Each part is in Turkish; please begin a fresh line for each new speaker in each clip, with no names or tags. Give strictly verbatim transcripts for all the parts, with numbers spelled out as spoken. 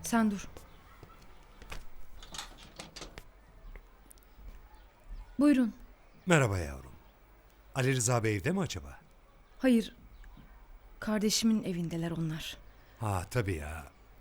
Sen dur. Buyurun.
Merhaba yavrum. Ali Rıza Bey evde mi acaba?
Hayır. Kardeşimin evindeler onlar.
Ha tabii ya.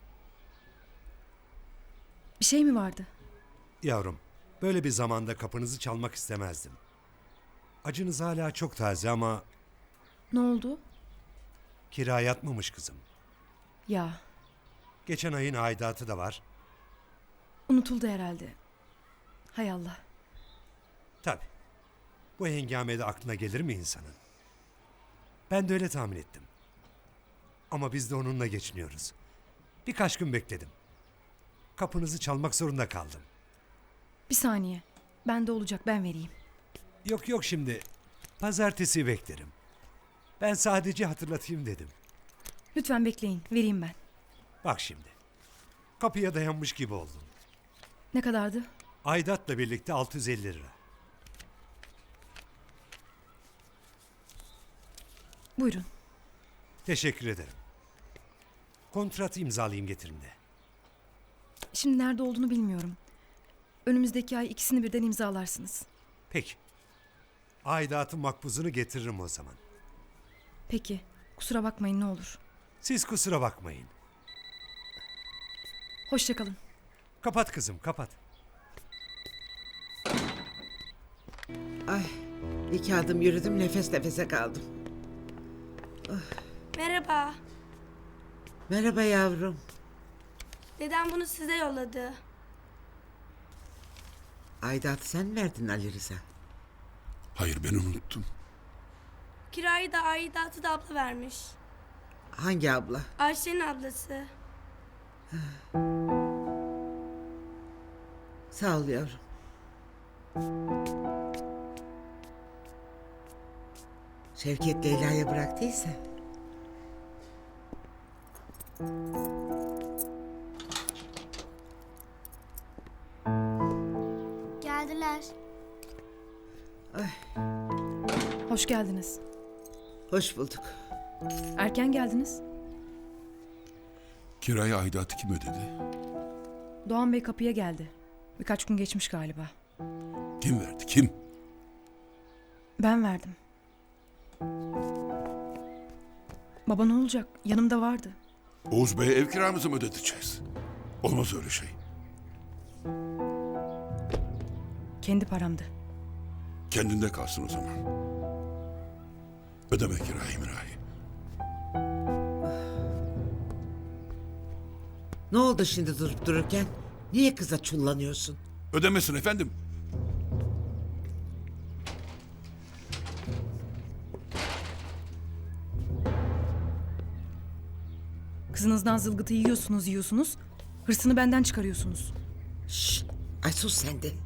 Bir şey mi vardı?
Yavrum, böyle bir zamanda kapınızı çalmak istemezdim. Acınız hala çok taze ama
Ne oldu?
kira yatmamış kızım.
Ya,
Geçen ayın aidatı da var.
unutuldu herhalde. Hay Allah.
Tabii. Bu hengamede aklına gelir mi insanın? Ben de öyle tahmin ettim. Ama biz de onunla geçiniyoruz. Birkaç gün bekledim. Kapınızı çalmak zorunda kaldım.
Bir saniye. Bende olacak, ben vereyim.
Yok yok şimdi. Pazartesi beklerim. Ben sadece hatırlatayım dedim.
Lütfen bekleyin, vereyim ben.
Bak şimdi. Kapıya dayanmış gibi oldum.
Ne kadardı?
Aidatla birlikte altı yüz elli lira.
Buyurun.
Teşekkür ederim. Kontrat imzalayayım getirin de.
Şimdi nerede olduğunu bilmiyorum. Önümüzdeki ay ikisini birden imzalarsınız.
Peki. Aidatın makbuzunu getiririm o zaman.
Peki, kusura bakmayın ne olur.
Siz kusura bakmayın.
Hoşça kalın.
Kapat kızım, kapat.
Ay, iki adım yürüdüm, nefes nefese kaldım.
Merhaba.
Merhaba yavrum.
Dedem bunu size yolladı.
Aidatı sen mi verdin Ali Rıza?
Hayır, ben unuttum.
Kirayı da aidatı da abla vermiş.
Hangi abla?
Ayşe'nin ablası.
Sağ ol yavrum. Şevket Leyla'ya bıraktıysa.
Geldiler.
Hoş geldiniz.
Hoş bulduk.
Erken geldiniz.
Kiraya aidatı kim ödedi?
Doğan Bey kapıya geldi. Birkaç gün geçmiş galiba.
Kim verdi, kim?
Ben verdim. Baba ne olacak? Yanımda vardı.
Oğuz Bey'e ev kiramızı mı ödeteceğiz? Olmaz öyle şey.
Kendi paramdı.
Kendinde kalsın o zaman. Ödeme kirayı mirayı.
Ne oldu şimdi durup dururken? Niye kıza çullanıyorsun?
Ödemesin efendim.
Kızınızdan zılgıtı yiyorsunuz yiyorsunuz. Hırsını benden çıkarıyorsunuz.
Şşt, ay sus sen de.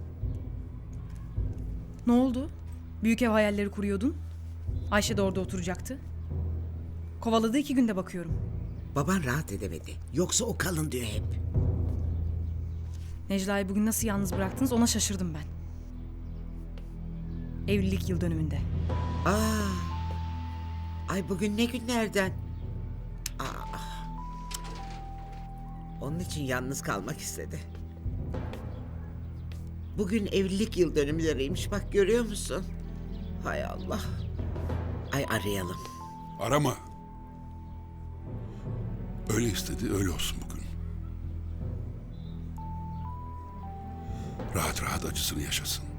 Ne oldu? Büyük ev hayalleri kuruyordun. Ayşe de orada oturacaktı. Kovaladı iki günde bakıyorum.
Baban rahat edemedi. Yoksa o kalın diyor hep.
Necla'yı bugün nasıl yalnız bıraktınız ona şaşırdım ben. Evlilik yıl dönümünde.
Aa, ay bugün ne günlerden? Aa, onun için yalnız kalmak istedi. Bugün evlilik yıl dönümleriymiş, bak görüyor musun? Hay Allah. Ay arayalım.
Arama. Öyle istedi, öyle olsun bugün. Rahat rahat acısını yaşasın.